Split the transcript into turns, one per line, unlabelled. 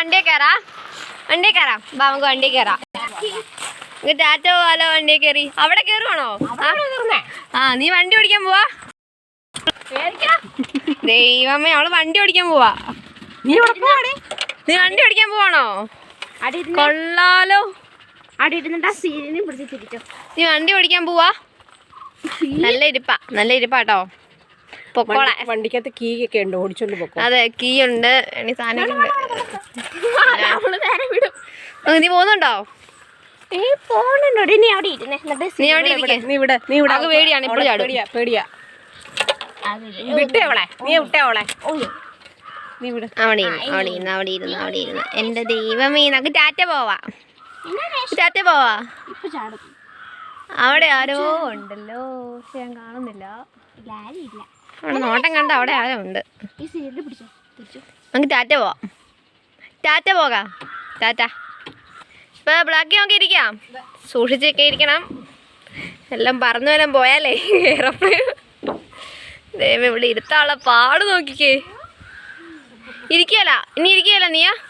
വണ്ടിയെ കയറാം. ബാ നമുക്ക് വണ്ടിയെ കയറാം. ടാറ്റ പോവാലോ വണ്ടിയെ കയറി. അവിടെ കയറുവാണോ? ആ നീ വണ്ടി ഓടിക്കാൻ പോവാ. ദൈവമേ അവള് വണ്ടി ഓടിക്കാൻ പോവാ. നീ വണ്ടി ഓടിക്കാൻ പോവാണോ? കൊള്ളാലോ. നീ വണ്ടി ഓടിക്കാൻ പോവാ. നല്ല ഇരിപ്പാട്ടോ. പൊക്കോളെ.
വണ്ടിക്കകത്ത് കീ ഒക്കെ ഉണ്ട്, ഓടിച്ചോണ്ട് പൊക്കോ.
അതെ കീ ഉണ്ട്, സാധനങ്ങളുണ്ട്. നീ പോകുന്നുണ്ടോ?
നീ അവിടെ ഇരുന്നേ.
നീ അവിടെ ഇരിക്കേ. പേടിയാണ് ഇപ്പോഴും ചാടും.
പേടിയാ. വിട്ടേ അവളെ. നീ വിട്ടേ അവളെ.
അവിടെ ഇരുന്ന്. എന്റെ ദൈവമേ നമുക്ക് ടാറ്റ പോവാ. അവിടെ ആരോ ഉണ്ടല്ലോ, പക്ഷെ ഞാൻ കാണുന്നില്ല. അവിടെ നോട്ടം കണ്ട അവിടെ ആരോ ഉണ്ട്. നമുക്ക് ടാറ്റ പോകാം. ടാറ്റ. ഇപ്പൊ ബ്ലാക്കി നോക്കി ഇരിക്കാം. സൂക്ഷിച്ചൊക്കെ ഇരിക്കണം. എല്ലാം പറന്നു വരാൻ പോയാലേ എയർപ്ലെയിൻ. ദൈവം ഇവിടെ ഇരുത്താനുള്ള പാട് നോക്കിക്കേ. ഇനി ഇരിക്കുകയല്ല നീയാ.